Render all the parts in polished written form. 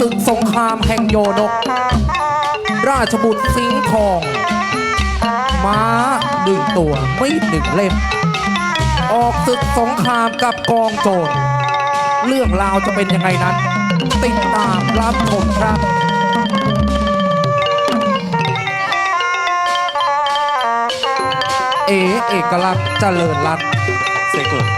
ศึกสงครามแห่งโยนก ราชบุตรสิงห์ทอง ม้า1 ตัวมีด1 เล่ม ออกศึกสงครามกับกองโจรเรื่องราวจะเป็นยังไงนั้น ติดตามรับชมครับเอกลักษณ์เจริญรัตน์เสกเลย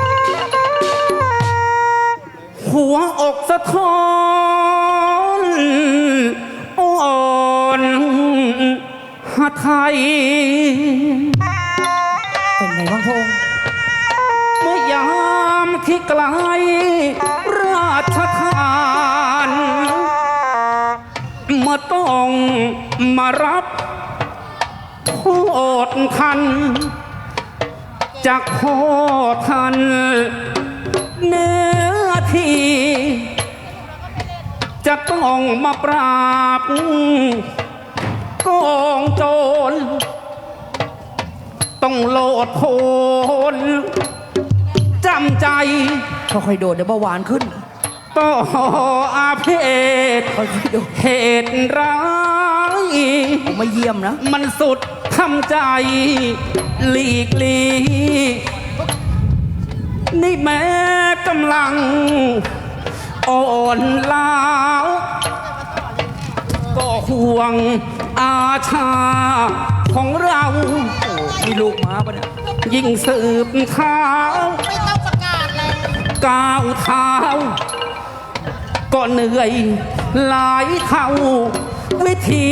หัวอกสะท้อนอ่อนหาไทยเป็นไงบ้างพงษ์เมื่อยามที่ไกลราชทานเมื่อต้องมารับโทษทันจากพ่อท่านเนื้อที่จะต้องมาปราบกองโจรต้องโลดโผนจำใจค่อยๆโดดเดี๋ยวเบาหวานขึ้นต่ออาเพศเหตุร้ายผมมาเยี่ยมนะมันสุดทำใจหลีกลีนี่แม้กำลังอ่อนล้าก็ห่วงอาชาของเรามีลูกม้าปะเนี่ยยิ่งสืบเท้าไม่ต้องประกาศเลยก้าวเท้าก็เหนื่อยหลายเท่าวิธี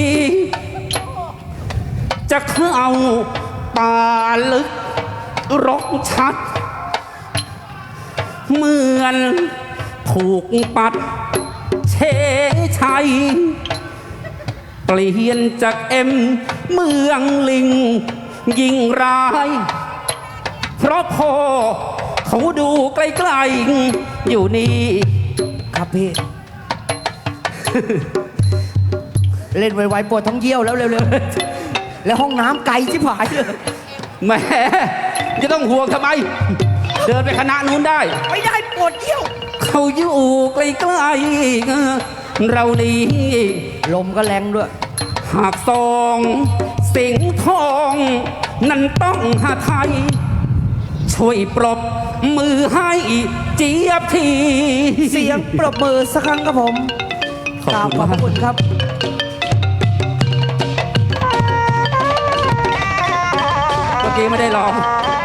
จะเข้าป่าลึกรกชัดเหมือนถูกปัดเชชัยเปลี่ยนจากเมืองลิงยิ่งร้ายเพราะพ่อเขาดูไกลๆอยู่นี่ครับพี่ เล่นไวๆปวดท้องเยี่ยวแล้วเร็วๆแล้วห้องน้ำไกลชิบหายเลยแหมจะต้องห่วงทำไมเดินไปคณะนู้นได้ไม่ได้ปวดเยี่ยวเขาอยู่ไกลๆเรานี่ลมก็แรงด้วยหากซองสิงห์ทองนั้นต้องหาไทยช่วยปรบมือให้เจี๊ยบทีเสียงปรบมือสักครั้งครับผมขอบคุณครับเมื่อกี้ไม่ได้ร้อง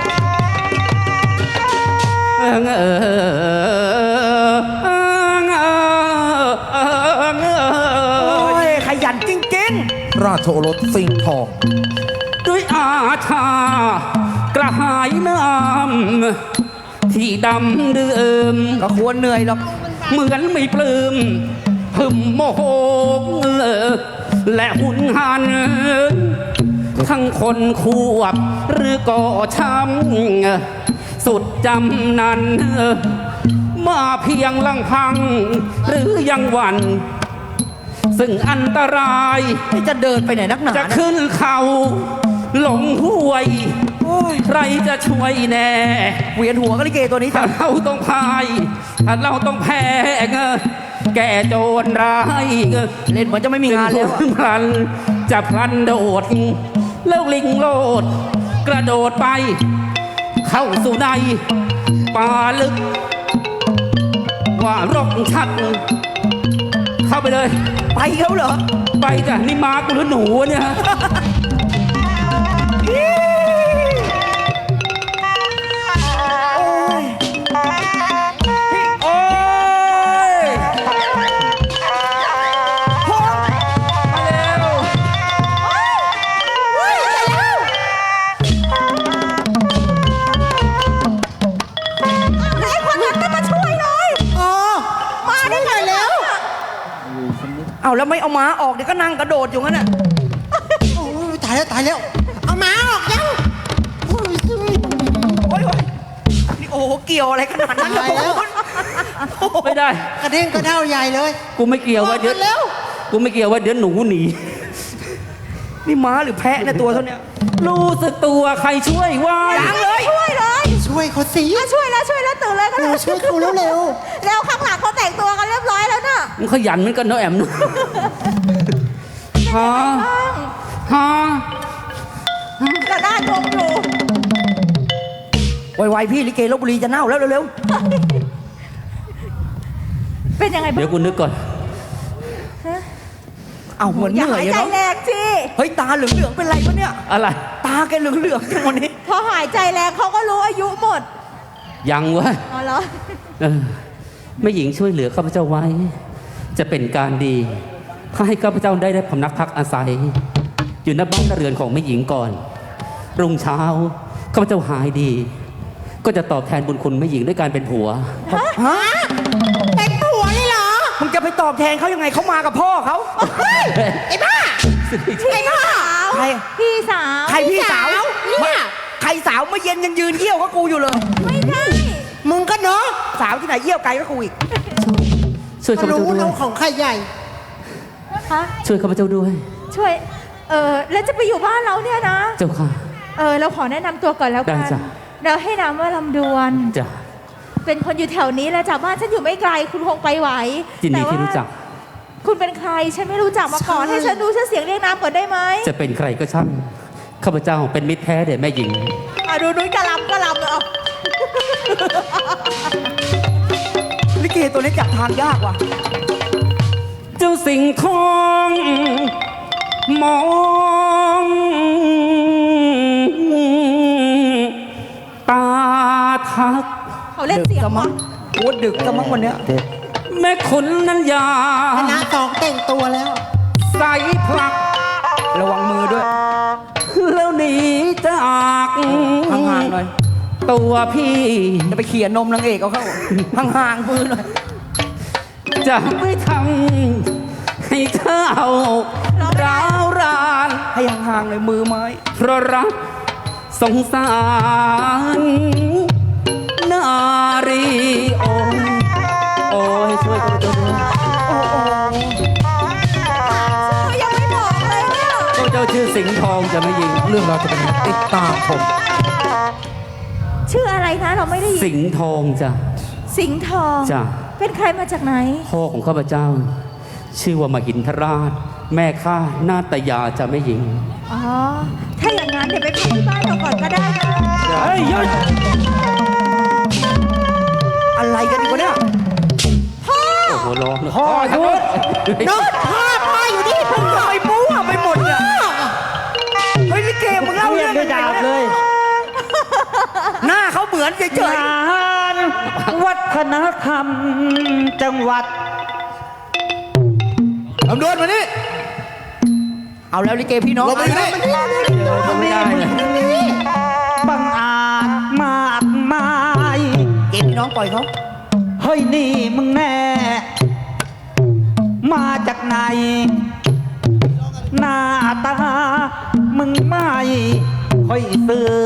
ขยันจริงๆราชโอรสสิงห์ทองด้วยอาชากระหายน้ำที่ดำเดิมก็ควรเหนื่อยหรอกเหมือนไม่ปลื้มหึมโมโหและหุนหันทั้งคนควบหรือก่อช้ำสุดจำนั้นมาเพียงลังพังหรือยังหวันซึ่งอันตรายจะเดินไปไหนนักหนาจะขึ้นเขาหลงห้วยใครจะช่วยแน่เวียนหัวก็ลิเกตัวนี้ถ้าเราต้องพายถ้าเราต้องแพ้แก่โจรร้ายเล่นเหมือนจะไม่มีงานแล้วพลันจะพลันโดดแล้วลิงโลดกระโดดไปเข้าสู่ในป่าลึกว่ารกชัดเข้าไปเลยไปเขาเหรอไปจ้ะนี่มากูหรือหนูเนี่ยเอาแล้วไม่เอาม้าออกเดี๋ยวก็นั่งกระโดดอยู่งั้นน่ะตายแล้วเอาม้าออกยังโอ้ยนี่โอ้โหเกี่ยวอะไรขนาดนั้นแล้วไม่ได้กระเด้งกระเด้าใหญ่เลยกูไม่เกี่ยวว่าเดี๋ยวกูไม่เกี่ยวว่าเดี๋ยวหนูหนีนี่ม้าหรือแพะในตัวเท่านี้รู้สึกตัวใครช่วยไว้ยังเลยช่วยเขาสิช่วยแล้วตื่นเลยช่วยเขาเร็วแล้วข้างหลังเขาแต่งตัวกันเรียบร้อยแล้วน่ะมึงขยันเหมือนกันเนาะแอมเนาะฮะฮะกระด้างงอยู่ไวๆพี่ลิเกลบบุรีจะเน่าแล้วเร็วเป็นยังไงบ้างเดี๋ยวกูนึกก่อนๆเอาเหมือนอย่าเหนื่อหาย ยอะใจเนาะแรงสิเฮ้ยตาเหลืองๆเป็นไรปะเนี่ยอะไรตาแกเหลืองๆจังวันนี้พอหายใจแรงเขาก็รู้อายุหมดยังวะอ๋อเหรอเออแม่หญิงช่วยเหลือข้าพเจ้าไว้ จะเป็นการดีถ้าให้ข้าพเจ้าได้พำนักพักอาศัย อยู่ณบ้านเรือนของแม่หญิงก่อน รุ่งเช้าข้าพเจ้าหายดี ก็จะตอบแทนบุญคุณแม่หญิงด้วยการเป็นผัวฮะเป็นผัวเลยเหรอมึงจะไปตอบแทนเขายังไงเขามากับพ่อเขาไอ้บ้าไอ้สาวใครพี่สาวใครพี่สาวเนี่ยใครสาวเมื่อเย็นยังยืนเยี่ยวกับกูอยู่เลยไม่ใช่มึงก็เนาะสาวที่ไหนเยี่ยวไกลก็กูอีกช่วยข้าพเจ้าด้วยของใครใหญ่ฮะช่วยข้าพเจ้าด้วยช่วย แล้วจะไปอยู่บ้านเราเนี่ยนะเจ้าค่ะเราขอแนะนำตัวก่อนแล้วกันได้จ้ะเราให้นามว่าลำดวนจ้ะเป็นคนอยู่แถวนี้แหละจากบ้านฉันอยู่ไม่ไกล คุณคงไปไหวยินดีแต่ว่าที่รู้จักคุณเป็นใคร ฉันไม่รู้จักมาก่อน ให้ฉันรู้ชื่อเสียงเรียกนามก่อนได้ไหมจะเป็นใครก็ช่างข้าพเจ้าเป็นมิตรแท้เด็ดแม่หญิงดูนุ้ยกะลำเลยเอาลิเกตัวนี้จับทางยากว่ะเจ้าสิงห์ทองมองตาทักเขาเล่นเสียงกะมั้วะงโอ้ดึกกะมั้งวันเนี้ยแม่ขุนนั้นยาคณะสองแต่งตัวแล้วใส่พลักระวังมือด้วยแล้วหนีจากห่างๆหน่อยตัวพี่จะไปเขี่ยนมนางเอกเอาเข้า ห่างๆมือหน่อยจะไม่ทำให้เธอเอาร้าวรานให้ห่างๆหน่อยมือไม้เพราะรักสงสารนารีโอ้ยโอ้ยช่วยกันด้วยยังไม่บอกเลยเนี่ยข้าพเจ้าชื่อสิงห์ทองจะไม่ยิงเรื่องเราวจะเป็นยังไงติดตามชมชื่ออะไรนะเราไม่ได้ยินสิงห์ทองจ้ะสิงห์ทองจ้ะเป็นใครมาจากไหนพ่อของข้าพเจ้า ชื่อว่ามหินทราช แม่ข้านาตยาจะไม่ยิงอ๋อ ถ้าอย่างนั้นเดี๋ยวไปพักที่บ้านเราก่อนก็ได้นะเฮ้ยหยุดอะไรกันอีกวะเนี่ยโอ้โหร้องพ่อหยุดเฮ้ยนึกพ่ออยู่นี่มึงทำไมมั่วไปหมดเนี่ยเฮ้ยลิเกมึงเล่าเรื่องไม่ดาบเลย หน้าเขาเหมือนเฉยงานวัฒนธรรมจังหวัดลำดวนมานี่ๆเอาแล้วลิเกพี่น้องลงไปอยู่นี่ไม่ได้เลยบังอาจมากมายเกมพี่น้องปล่อยเขาเฮ้ยนี่มึงแน่ มาจากไหน หน้าตา มึงไม่ค่อยซื้อ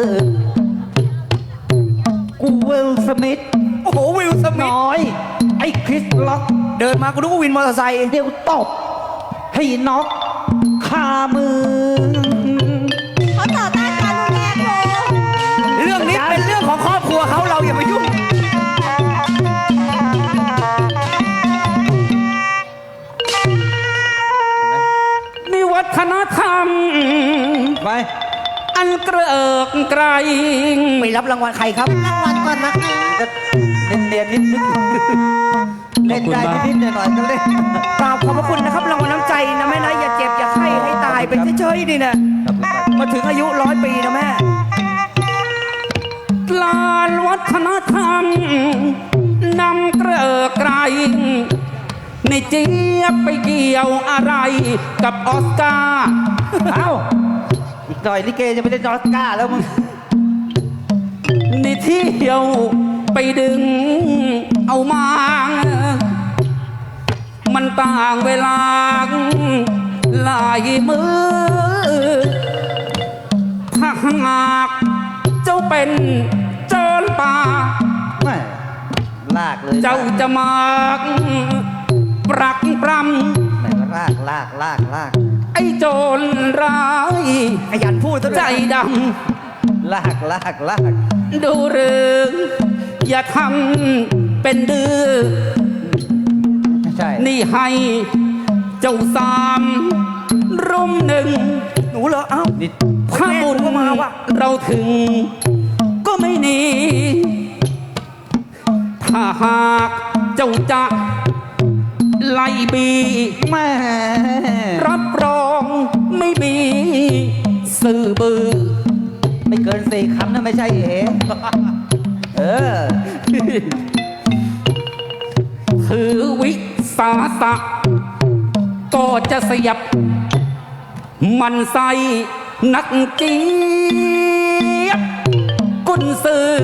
กูเวลสมิธโอ้โหวิลสมิธน้อย ไอ้คริสล็อกเดินมากูนึกว่าวินมอเตอร์ไซค์เดี๋ยวตบ ให้น็อกคามือเขาต่อต้านการรุนแรงอยู่เรื่องนี้เป็นเรื่องของครอบครัวเขาเราอย่ามายุ่งนี่วัฒนธรรมไปอันเกริกไกรไปรับรางวัลใครครับ รางวัลก่อนนะก็เนียนๆนิดนึงเล่นได้นิดๆหน่อยๆก็เล่นกราบขอบพระคุณนะครับรางวัลน้ำใจนะแม่นะอย่าเจ็บอย่าไข้ให้ตายเป็นเฉยๆนี่นะมาถึงอายุ100 ปีนะแม่ลานวัฒนธรรมนำเกริกไกรในเจี๊ยบไปเกี่ยวอะไรกับออสการ์เอ้า อีกหน่อยลิเกจะไปเล่นออสการ์แล้วมึงในเที่ยวไปดึงเอามา มันต่างเวลาหลายมือ ถ้าหากเจ้าเป็นโจรป่าแม่ลากเลยเจ้าจะมาปรักปรแม่ลากำไอ้โจรร้ายขยันพูดซะด้ใจวยดลากำดูหรืออย่าทำเป็นดื้อใช่นี่ให้เจ้าสามรุ่มหนึ่งหนูเหรอเอ้านี่ถ้าบุญก็มาว่ะเราถึง ก็ไม่หนี ถ้าหากเจ้าจะไล่บีแม่รับรองไม่มีสื่อบือไม่เกิน4 คำนะไม่ใช่เออถือวิสาสะก็จะเสียบ มันใส่นักเจี๊ยบกุนซือ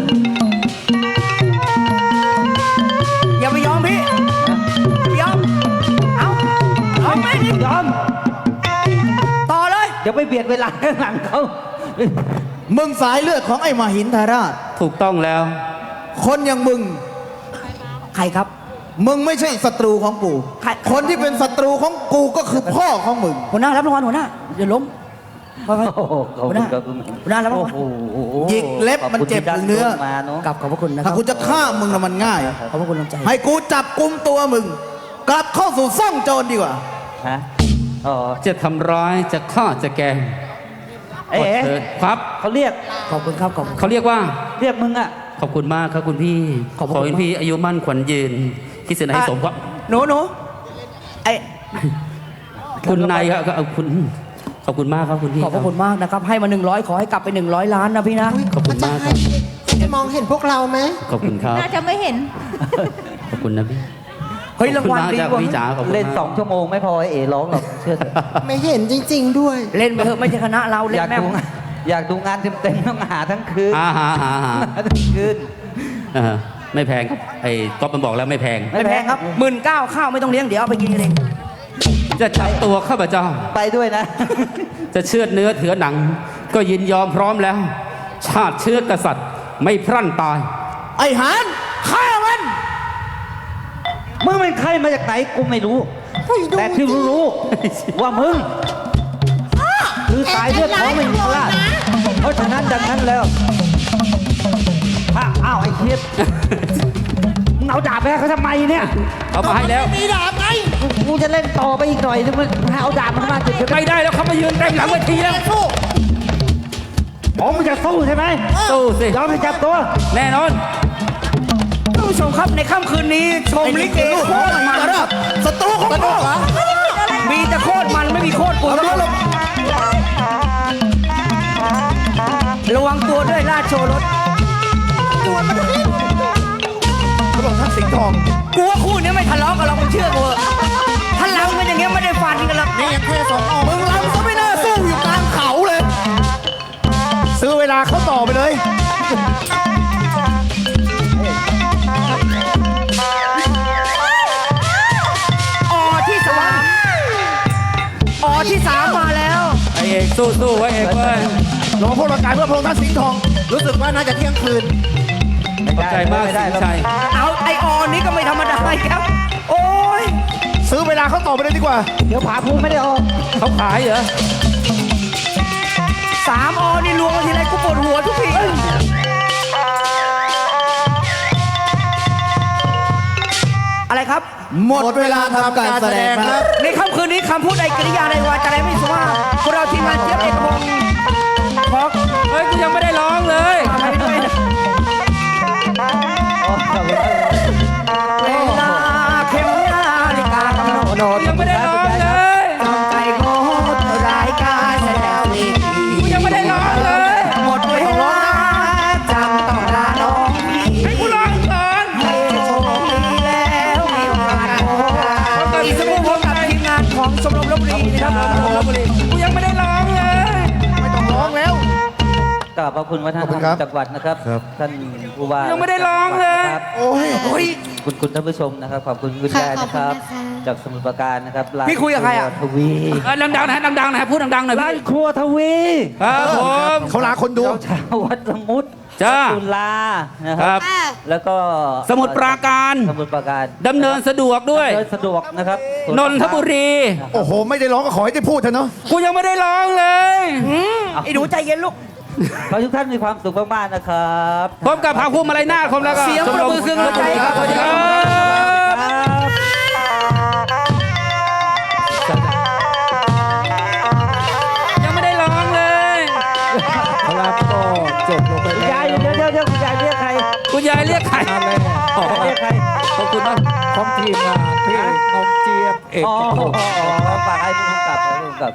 อย่าไปยอมพี่อย่ายอมเอาไม่ดิยอมต่อเลยเดี๋ยวไปเบียดเวลาข้างหลังเขามึงสายเลือดของไอ้มหินทราชถูกต้องแล้วคนอย่างมึงใครครับมึงไม่ใช่ศัตรูของกูใครคนที่เป็นศัตรูของกูก็คือพ่อของมึงหัวหน้ารับรางวัลหัวหน้าอย่าล้มไปโอ้โหขอบหัวคุหณน้าครับหัวหน้ารับรางโอ้วัลโหหยิกเล็บมันเจ็บขอบคุณเนื้อที่มาเนาะกลับขอบพระคุณนะคถ้ารับกูจะฆ่ามึงนะมันง่ายขอบพระคุณน้ำใจให้กูจับกุมตัวมึง กลับเข้าสู่ซ่องโจรดีกว่าฮะอ๋อจะทำร้ายจะฆ่าจะแกล้งเอ๊ะเชิญครับเขาเรียกขอบคุณครับขอบคุณเขาเรียกว่าเรียกมึงอะขอบคุณมากครับคุณพี่ขอบคุณขอให้พี่อายุมั่นขวัญยืนคิดเสนอให้สมครับหนูไอ้คุณนายครับก็เอาคุณขอบคุณมากครับคุณพี่ขอบพระคุณมากนะครับ ให้มา100ขอให้กลับไป100 ล้านนะพี่นะขอบคุณมากครับจะมองเห็นพวกเราไหมขอบคุณครับน่าจะไม่เห็นขอบคุณนะพี่เฮ้ยรางวัลดีขอบกว่าคุณมากครับพี่จ๋าขอบคุณเล่นมาก 2 ชั่วโมงไม่พอไอ้เอ๋ร้องหรอกเชื่อไม่เห็นจริง ๆ ด้วยเล่นไปเถอะไม่ใช่คณะเราเล่อน ยากแม่ดูอยากดูงานเต็มๆต้องหาทั้งคืนหาหาทั้งคืนเออไม่แพงครับไอ้ก๊อฟมันบอกแล้วไม่แพงไม่แพงครับ19,000ข้าวไม่ต้องเลี้ยงเดี๋ยวเอาไปกินเองจะจับตัวข้าพเจ้าไปด้วยนะจะเชือดเนื้อเถือหนัง ก็ยินยอมพร้อมแล้ว ชาติเชื้อกษัตริย์ไม่พรั่นตายไอ้หานฆ่ามันมึงเป็นใครมาจากไหนกูไม่รู้ไม่รู้แต่ที่รู้ว่ามึงคือสายเลือดของมึงราชเพราะฉะนั้นดังนั้นแล้วอ้าวไอ้เทียบมึงเอาดาบไปให้เขาทำไมเนี่ยเอามาให้แล้วมีดาบไงกูจะเล่นต่อไปอีกหน่อยนึงมันเอาดาบมันมาจุดเดียวกันไม่ได้แล้วเขามายืนเต็มหลังเวทีแล้วสู้อ๋อมึงจะสู้ใช่ไหมสู้สิยอมให้จับตัวแน่นอนท่านผู้ชมครับในค่ำคืนนี้ชมลิเกโคตรมันศัตรูของกูมีแต่โคตรมันไม่มีโคตรปูครับระวังตัวด้วยราชโชรสเขาบอกท่านสิงห์ทองกูว่าคู่นี้ไม่ทะเลาะกันหรอกมึงเชื่อกูเถอะถ้าลำกันอย่างเงี้ยไม่ได้ฟันกันหรอกนี่ยังแค่2 ออกมึงรำก็ไม่น่าสู้อยู่กลางเขาเลย ซื้อเวลาเขาต่อไปเลยที่สามมาแล้วไอเอกสู้ไว้เอกเว้ยลงมาพวกร่างกายเพื่อพระองค์ท่านสิงห์ทอง รู้สึกว่าน่าจะเที่ยงคืนขอบใจมากไม่ได้สิงห์ชัยเอาไอออนนี้ก็ไม่ธรรมดาอีกครับ โอ้ยซื้อเวลาเขาต่อไปเลยดีกว่าเดี๋ยวผาภูมิไม่ได้ออกเขาขายเหรอ 3 ออนี่รวมกันทีไรกูปวดหัวทุกทีอะไรครับหมดเวลาทำการแสดงครับในค่ำคืนนี้คำพูดใดกริยาใดวาจาใดไม่สุภาพพวกเราทีมงานเจี๊ยบเอกพงศ์ขอเฮ้ยกูยังไม่ได้ร้องเลยไปด้วยนะเวลาเข็มนาฬิกากำหนดกูยังไม่ได้ร้องเลยต้องใจโคตรรายการแสดงดีกูยังไม่ได้ร้องเลยหมดเวลาจำต้องลาน้องพี่ให้กูร้องก่อนให้โชคดีแล้วมีโอกาสพบกันอีกสักครู่พบกับทีมงานของชมรมลพบุรีนะครับผมกูยังไม่ได้ร้องเลยไม่ต้องร้องแล้วกราบขอบคุณวัฒนธรขอบคุรณครับมจังหวัดนะครับ ท่านผู้ว่ายังไม่ได้ร้องเลยนะครับโอ้ยโอ้ยคุณท่านผู้ชมนะครับ ขอบคุณคุณค่ะยายขอบนะคุคณรับนะคะจากสมุทรปราการนะครับพี่คุยกับใครอะทวีดังๆนะดังๆนะพูดดังๆหน่อยร้านพี่ครัวทวีครับผมเขาลาคนดูเจ้าชาววัดสมุทรจ้าจุฬานะคครัรับบแล้วก็สมุทรปราการสมุทรปราการดำเนินสะดวกด้วยเดินสะดวกนะครับนนทบุรีโอ้โห ไม่ได้ร้องก็ขอให้ได้พูดเถอะเนาะกูยังไม่ได้ร้องเลยไอ้หนูใจเย็นลูกขอให้ทุกท่านมีความสุขมากๆนะครับพบกับภาคภูมิอะไรหน้าคมแล้วก็เสียงปรบมือเครื่องหัวใจครับสวัสดีครับครับเดี๋ยวคุณยายเรียกใครคุณยายเรียกใครมาเลยอ๋อเรียกใครขอบคุณมากของทีมงานพี่น้องเจี๊ยบเอกอ๋อพงศ์ฝากให้ผู้กำกับ